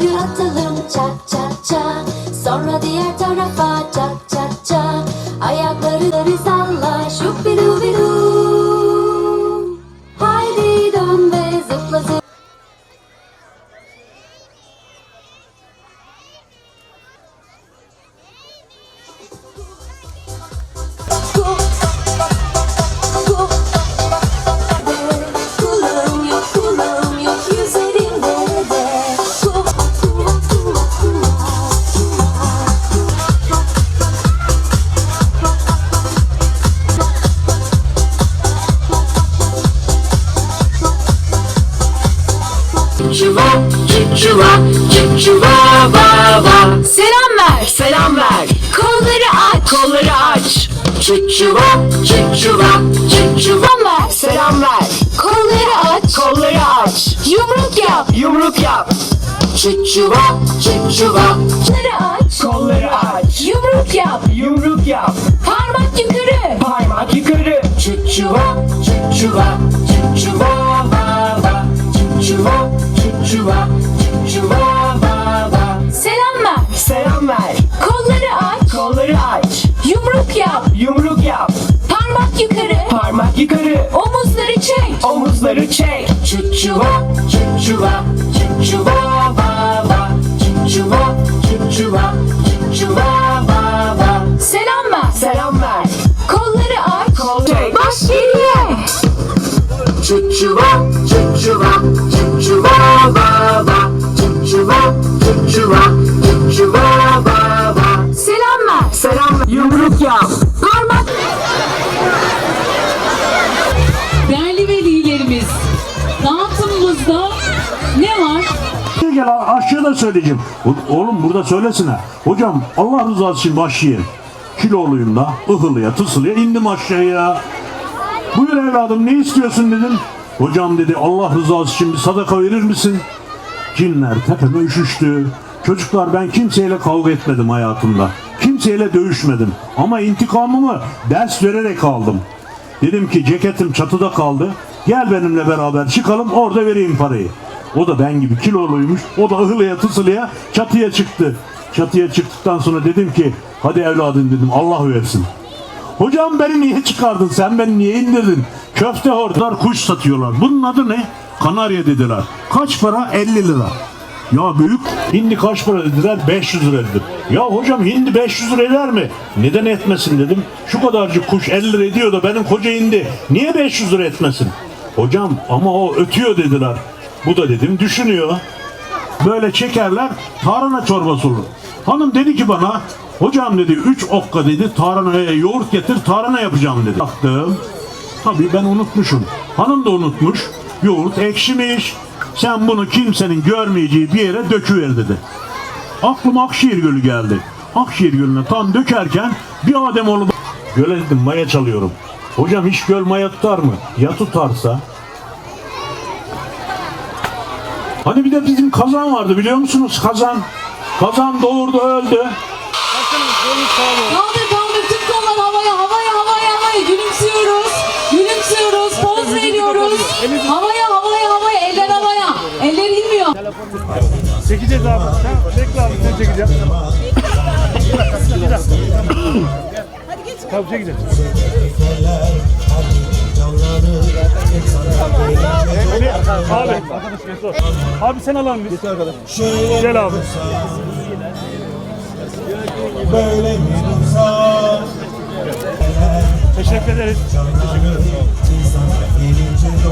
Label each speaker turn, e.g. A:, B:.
A: Şuppidu atalım çak çak çak. Sonra diğer tarafa çak çak çak. Ayakları salla şuppidu bidu. Haydi dön ve zıpla zıpla. Kulağım yok, kulağım yok yüzlerinde de.
B: Çuva, çuva, çuva, va, va. Selam ver, selam ver. Kolları aç, kolları aç. Çuva, çuva, çuva ver, selam ver. Kolları aç, kolları aç. Yumruk yap, yumruk yap. Çuva, çuva, kolları aç, kolları aç. Yumruk yap, yumruk yap. Parmak yukarı, parmak yukarı. Çuva, çuva, çuva, va, va. Çuva, çuva, çuva, va, va. Selam ver, selam ver. Kolları aç, kolları aç. Yumruk yap, yumruk yap. Parmak yukarı, parmak yukarı. Omuzları çek, omuzları çek. Çuva, çuva, çuva, va, va. Çuva, çuva, çuva, va, va. Selam ver, selam ver. Kolları aç, kolları çek. Baş geriye. Çuva, çuva, çuva, va, va. Çuva, çuva, çuva, va, va. Selam ver, selam ver. Yumruk yap. Parmak.
C: Değerli velilerimiz, dağıtımımızda ne var?
D: Gel aşağıda söyleyeceğim. Oğlum burada söylesene. Hocam Allah rızası için başlayın. Kiloluyum da ıhılıya tısılıya indim aşağıya. Buyur evladım ne istiyorsun dedim. Hocam dedi Allah rızası için bir sadaka verir misin? Cinler tepeme üşüştü. Çocuklar ben kimseyle kavga etmedim hayatımda. Kimseyle dövüşmedim. Ama intikamımı ders vererek aldım. Dedim ki ceketim çatıda kaldı. Gel benimle beraber çıkalım orada vereyim parayı. O da ben gibi kiloluymuş. O da ıhılıya tısılıya çatıya çıktı. Çatıya çıktıktan sonra dedim ki hadi evladım dedim Allah versin. Hocam beni niye çıkardın sen beni niye indirdin? Köfte hortlar kuş satıyorlar. Bunun adı ne? Kanarya dediler. Kaç para? 50 lira. Ya büyük hindi kaç para dediler? 500 lira dedim. Ya hocam hindi 500 lira eder mi? Neden etmesin dedim. Şu kadarcık kuş 50 lira ediyor da benim koca hindi niye 500 lira etmesin? Hocam ama o ötüyor dediler. Bu da dedim düşünüyor. Böyle çekerler tarhana çorbası olur. Hanım dedi ki bana hocam dedi 3 okka dedi tarhanaya yoğurt getir tarhana yapacağım dedi. Baktım. Tabii ben unutmuşum. Hanım da unutmuş. Yoğurt ekşimiş. Sen bunu kimsenin görmeyeceği bir yere döküver dedi. Aklıma Akşehir Gölü geldi. Akşehir Gölü'ne tam dökerken bir Ademoğlu göle dedim maya çalıyorum. Hocam hiç göl maya tutar mı? Ya tutarsa? Hani bir de bizim Kazan vardı biliyor musunuz? Kazan. Kazan doğurdu öldü.
C: Kaldır kaldır tüm kollar havaya havaya havaya havaya gülümsüyoruz. Gülümsüyoruz poz veriyoruz. Havaya havaya havaya eller havaya. Eller inmiyor.
E: Çekeceğiz abi. Sen bekle abi sen çekeceğim. Tabii çekeceğiz. Abi. Abi sen alalım biz. Gel abi. Teşekkür ederiz.